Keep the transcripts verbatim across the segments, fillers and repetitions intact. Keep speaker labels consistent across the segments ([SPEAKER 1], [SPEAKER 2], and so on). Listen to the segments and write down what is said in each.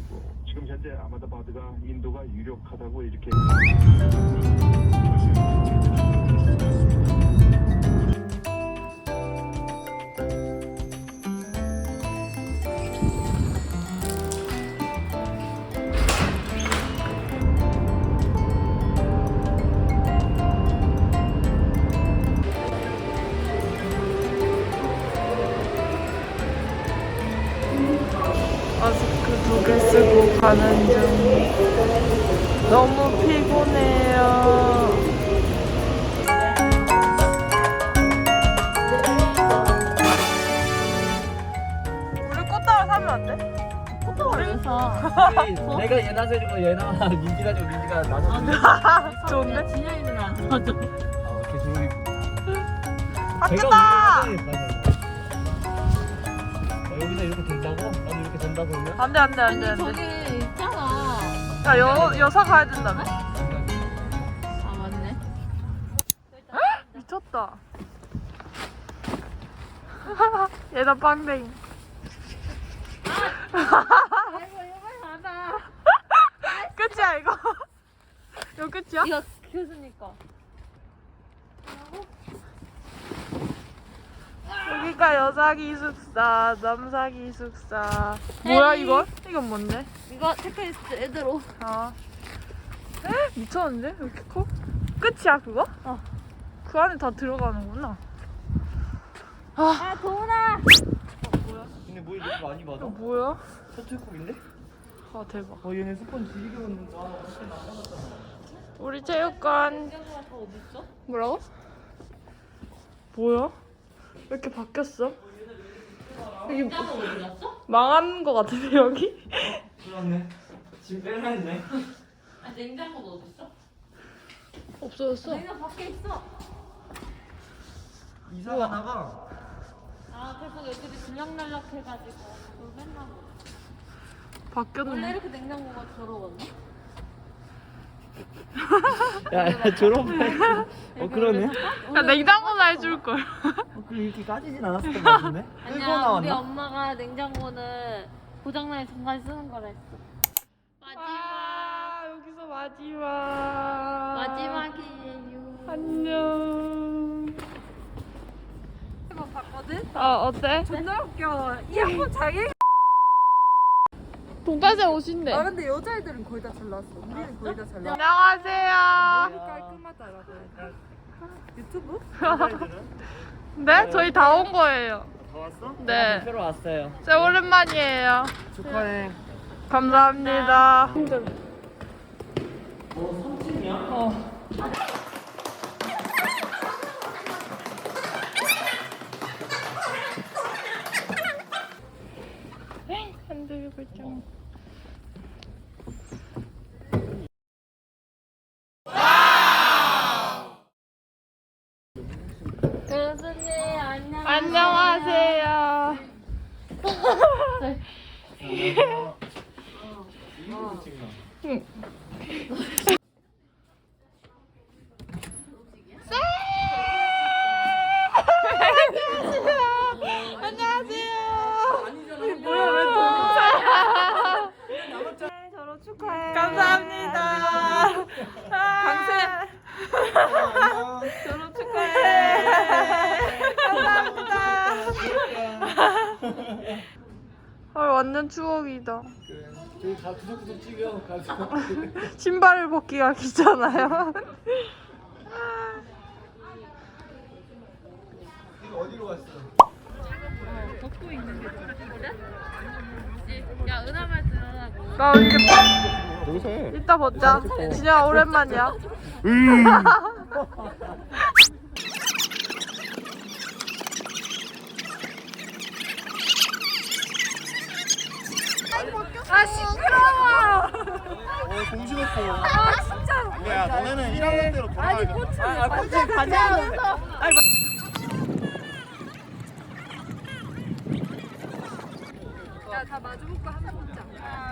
[SPEAKER 1] 하고 지금 현재 아마다바드가 인도가 유력하다고 이렇게.
[SPEAKER 2] 마스크 두 개 쓰고 가는 중. 너무 피곤해요. 우리 꽃다발 사면 안 돼?
[SPEAKER 3] 꽃다발 왜 사?
[SPEAKER 4] 내가 얘나 해주고 얘나 민지가 주고 민지가 나눠주고.
[SPEAKER 2] 좋은데?
[SPEAKER 3] 진영이는 안 사줘.
[SPEAKER 4] 아 계속.
[SPEAKER 2] 바뀌었다!
[SPEAKER 4] 여기서 이렇게 된다고? 나도 이렇게 된다고 그러면?
[SPEAKER 2] 안돼 안돼
[SPEAKER 3] 아니
[SPEAKER 2] 안돼 안돼.
[SPEAKER 3] 저기 있잖아.
[SPEAKER 2] 야 여, 여사 가야 된다며?
[SPEAKER 3] 아 맞네.
[SPEAKER 2] 미쳤다. 얘다 빵댕이.
[SPEAKER 3] 아이고 이거 받아.
[SPEAKER 2] 끝이야 이거? 이거 끝이야?
[SPEAKER 3] 이거 교수님 거.
[SPEAKER 2] 여기가 여자 기숙사, 남자 기숙사. 뭐야 이건? 이건 뭔데?
[SPEAKER 3] 이거 체크리스트 애들 옷.
[SPEAKER 2] 아, 에? 미쳤는데? 왜 이렇게 커? 끝이야 그거?
[SPEAKER 3] 어.
[SPEAKER 2] 그 안에 다 들어가는구나. 아,
[SPEAKER 3] 아 도훈아.
[SPEAKER 4] 근데 뭐 이렇게 많이 받아?
[SPEAKER 2] 이거 뭐야?
[SPEAKER 4] 서툴콕인데?
[SPEAKER 2] 아 대박.
[SPEAKER 4] 어 얘네 스폰 길게 받는다. 아 어떻게 나가봤잖아.
[SPEAKER 2] 우리 체육관.
[SPEAKER 3] 냉장고가 더 어디 있어?
[SPEAKER 2] 뭐라고? 뭐야? 왜 이렇게 바뀌었어? 여기
[SPEAKER 3] 냉장고 어디 갔어?
[SPEAKER 2] 망한 거 같은데 여기?
[SPEAKER 4] 그렇네. 지금 빼려 했네.
[SPEAKER 3] 아 냉장고도 어디 있어?
[SPEAKER 2] 없어졌어.
[SPEAKER 3] 냉장고 밖에 있어.
[SPEAKER 4] 이사 가다가
[SPEAKER 3] 아 계속 애들이 들락날락 해가지고 그걸 맨날 먹어. 원래
[SPEAKER 2] 바뀌었네.
[SPEAKER 3] 이렇게 냉장고가 더러웠나?
[SPEAKER 4] 야, 야 졸업해. 어 그러네.
[SPEAKER 2] 야 냉장고나 해줄 걸.
[SPEAKER 4] 어, 그 이렇게 까지진 않았을 것 같은데? 끌고
[SPEAKER 3] 아니야 우리
[SPEAKER 4] 나왔나?
[SPEAKER 3] 엄마가 냉장고는 고장나면 잠깐 쓰는 거라 했어. 마지막
[SPEAKER 2] 아 여기서 마지막.
[SPEAKER 3] 마지막이에요.
[SPEAKER 2] 안녕.
[SPEAKER 3] 이거 봤거든?
[SPEAKER 2] 아 어때?
[SPEAKER 3] 존나 웃겨. 이어폰 자기.
[SPEAKER 2] 동탄생 옷인데.
[SPEAKER 5] 아 근데 여자애들은 거의 다 잘 나왔어. 우리는 거의 다 잘 나왔어.
[SPEAKER 2] 안녕하세요.
[SPEAKER 5] 깔끔하다라고 해야 되나? 유튜브?
[SPEAKER 2] 네? 저희 다 온 거예요.
[SPEAKER 4] 다 왔어?
[SPEAKER 2] 네.
[SPEAKER 4] 새로 왔어요.
[SPEAKER 2] 제 오랜만이에요.
[SPEAKER 4] 축하해.
[SPEAKER 2] 감사합니다.
[SPEAKER 4] 어 삼 층이야?
[SPEAKER 2] 어. 흔들고 있잖아.
[SPEAKER 3] 교수님 안녕.
[SPEAKER 2] 안녕하세요. 응. 안녕하세요. 뭐야 왜
[SPEAKER 5] 저로 축하해.
[SPEAKER 2] 감사합니다. 강세.
[SPEAKER 5] 저로 축하해.
[SPEAKER 2] 감사합니다. 아, 완전 추억이다.
[SPEAKER 4] 저희 다 구석구석 찍어 가서.
[SPEAKER 2] 신발을 벗기가 귀찮아요.
[SPEAKER 4] 이거 어디로 갔어?
[SPEAKER 3] 벗고 있는 게 그래? 야 은하말 들어라고.
[SPEAKER 2] 나 이제
[SPEAKER 1] 여기서 해.
[SPEAKER 2] 이따 벗자. 진영아 오랜만이야. 아 시끄러워.
[SPEAKER 1] 어 정신없어.
[SPEAKER 2] 아 진짜.
[SPEAKER 1] 야 너네는 일 학년 대로
[SPEAKER 2] 아니
[SPEAKER 1] 돌아가야
[SPEAKER 2] 꽃을
[SPEAKER 4] 아,
[SPEAKER 2] 완전 가져오면서. 아니
[SPEAKER 5] 야다 마주보고 한번 먹자.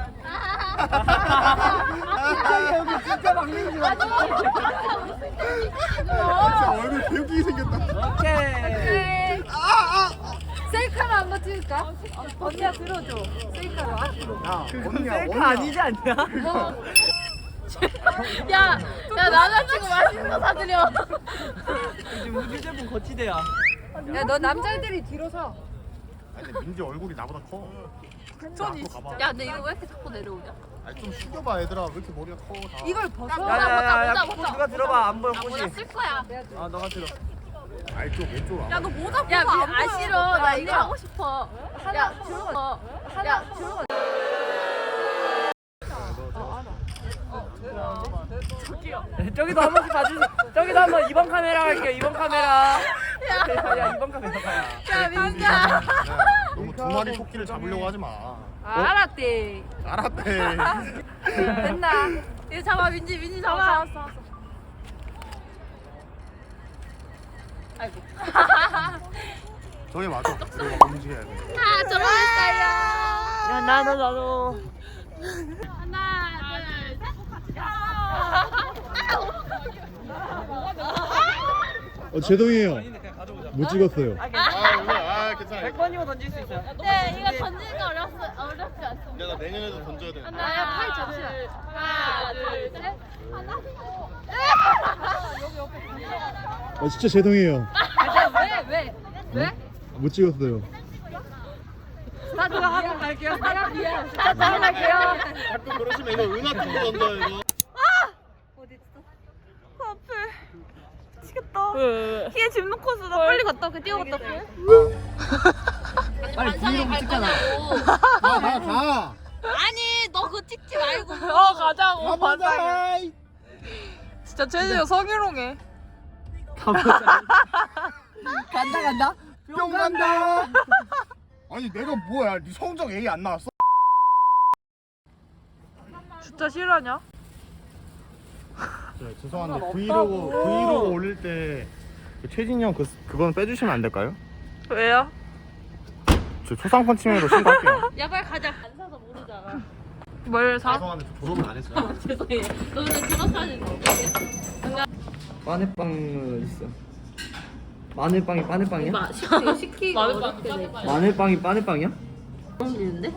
[SPEAKER 4] 진짜 여기 진짜 막내인 줄 알았어.
[SPEAKER 1] 얼굴 개웃기게 생겼다.
[SPEAKER 4] 오케이.
[SPEAKER 5] 셀카로 한번 찍을까? 언니야 들어줘. 셀카로 앞으로.
[SPEAKER 4] 야 언니야 셀카 아니지 않냐?
[SPEAKER 3] 야, 야 남자친구 맛있는 거 사드려.
[SPEAKER 4] 요즘 우주 제품 거치대야.
[SPEAKER 5] 야 너 남자애들이 뒤로 서.
[SPEAKER 6] 아니 근데 민지 얼굴이 나보다 커.
[SPEAKER 2] 손이
[SPEAKER 6] 앞으로 가봐.
[SPEAKER 3] 야, 근데 이거 왜 이렇게 자꾸 내려오냐?
[SPEAKER 6] 아니 좀 숙여봐 얘들아. 왜 이렇게 머리가 커 다.
[SPEAKER 5] 이걸 벗어.
[SPEAKER 4] 야야야야
[SPEAKER 3] 보자,
[SPEAKER 4] 꽃
[SPEAKER 3] 보자.
[SPEAKER 4] 누가 들어봐 안 보여
[SPEAKER 3] 나
[SPEAKER 4] 꽃이.
[SPEAKER 3] 모자 쓸 거야.
[SPEAKER 4] 아 너가 들어.
[SPEAKER 6] 아이 쪽 왼쪽으로 와봐.
[SPEAKER 5] 야 너 모자 벗어.
[SPEAKER 3] 야, 미,
[SPEAKER 5] 안
[SPEAKER 3] 아
[SPEAKER 5] 보여.
[SPEAKER 3] 싫어. 나 이거
[SPEAKER 5] 언니야.
[SPEAKER 3] 하고 싶어. 야, 들어가. 야, 들어가.
[SPEAKER 4] 저기도 한 번씩 봐주세요. 저기도 한번 이번 카메라 할게요. 이번 카메라. 야, 야 이번 카메라.
[SPEAKER 3] 야, 민자.
[SPEAKER 6] 야, 너무 두 마리 토끼를 잡으려고 하지 마.
[SPEAKER 5] 아, 알았대.
[SPEAKER 6] 알았대.
[SPEAKER 5] 됐나?
[SPEAKER 3] 이거 잡아, 민지, 민지 잡아.
[SPEAKER 5] 잡았어, 잡았어.
[SPEAKER 3] 아이고.
[SPEAKER 6] 저기 맞아. 우리가 움직여야 돼.
[SPEAKER 3] 아, 저런 스타일이야.
[SPEAKER 4] 야 나도 나도.
[SPEAKER 3] 하나, 둘, 셋.
[SPEAKER 7] 어, 제동이에요.
[SPEAKER 4] 아닌데 그냥 가져오자.
[SPEAKER 7] 못 찍었어요.
[SPEAKER 6] 아 오늘 아 괜찮아.
[SPEAKER 4] 백 번이면 던질 수 있어요.
[SPEAKER 3] 네, 이거 던지는 거 어렵, 어렵지 않습니다.
[SPEAKER 6] 내가 내년에도 던져야 돼.
[SPEAKER 3] 하나, 팔 접시다. 하나, 둘, 셋. 하나.
[SPEAKER 7] 어, 진짜 제동이에요.
[SPEAKER 5] 왜? 왜? 왜?
[SPEAKER 7] 못 찍었어요.
[SPEAKER 5] 나 그거 하고 갈게요. 사람 미안. 나 하고 갈게요.
[SPEAKER 6] 가끔 그러시면 이거 은하 쪽으로 던져요 이거.
[SPEAKER 2] 미치겠다.
[SPEAKER 4] 왜?
[SPEAKER 2] 키에 집 놓고서 나 빨리 갔다 올게. 뛰어갔다 올게.
[SPEAKER 4] 아니 브이로그 찍잖아.
[SPEAKER 6] 가가 가.
[SPEAKER 3] 아니, 너 그거 찍지 말고.
[SPEAKER 2] 어 가자고.
[SPEAKER 6] 가보자.
[SPEAKER 2] 반장이. 진짜 제주도 성희롱해.
[SPEAKER 4] 가보자. 간다 간다.
[SPEAKER 6] 뿅 간다. 아니 내가 뭐야? 네 성적 A 안 나왔어?
[SPEAKER 2] 진짜 싫어하냐?
[SPEAKER 6] 네, 죄송한데 브이로그 브이로그 올릴 때그 최진이 형 그 그건 빼주시면 안 될까요?
[SPEAKER 2] 왜요?
[SPEAKER 6] 저 초상권 침해로 신고할게요.
[SPEAKER 3] 야, 빨리 가자. 안 사서 모르잖아.
[SPEAKER 2] 뭘 사?
[SPEAKER 6] 죄송한데 저 졸업은 안 했어요.
[SPEAKER 3] 죄송해. 너 오늘 졸업사진
[SPEAKER 4] 마늘빵은 있어. 마늘빵이 마늘빵이야?
[SPEAKER 3] 마, 시키, 시키고 어렵게 돼.
[SPEAKER 4] 마늘빵이 마늘빵이야?
[SPEAKER 3] 어울리는데?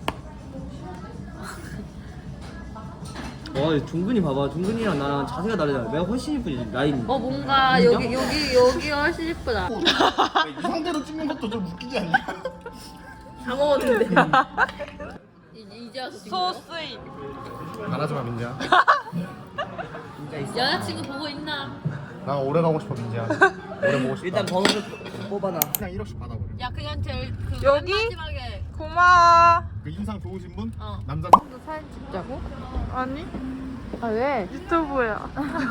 [SPEAKER 4] 와 중근이 봐봐. 중근이랑 나랑 자세가 다르잖아. 내가 훨씬 이쁘지 라인.
[SPEAKER 3] 어, 뭔가 여기, 여기, 여기가 훨씬 예쁘다.
[SPEAKER 6] 이 상태로 찍는 것도 좀 웃기지 않냐?
[SPEAKER 3] 다 먹었는데. 이제, 이제 와서 찍는 거야?
[SPEAKER 2] 소스인.
[SPEAKER 6] 말하지 마 민지야.
[SPEAKER 4] 진짜 있어.
[SPEAKER 3] 여자친구 보고 있나?
[SPEAKER 6] 나 오래 가고 싶어 민지야. 오래 보고 싶다.
[SPEAKER 4] 일단 번호를 뽑아놔.
[SPEAKER 6] 그냥 일억씩 받아버려.
[SPEAKER 3] 야, 그냥 제일 그
[SPEAKER 2] 여기?
[SPEAKER 3] 맨 마지막에
[SPEAKER 2] 고마워.
[SPEAKER 6] 그 인상 좋으신 분?
[SPEAKER 3] 어.
[SPEAKER 6] 남자.
[SPEAKER 5] 사진 찍자고?
[SPEAKER 2] 아니
[SPEAKER 5] 아 왜?
[SPEAKER 2] 유튜브야.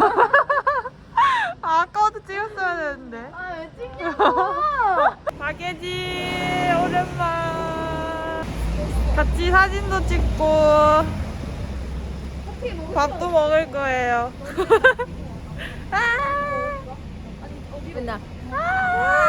[SPEAKER 2] 아, 아까부터 찍었어야 되는데.
[SPEAKER 5] 아 왜 찍냐고?
[SPEAKER 2] 박예지 오랜만. 같이 사진도 찍고 밥도 먹을 거예요. 아,
[SPEAKER 5] 맨날.
[SPEAKER 2] 아,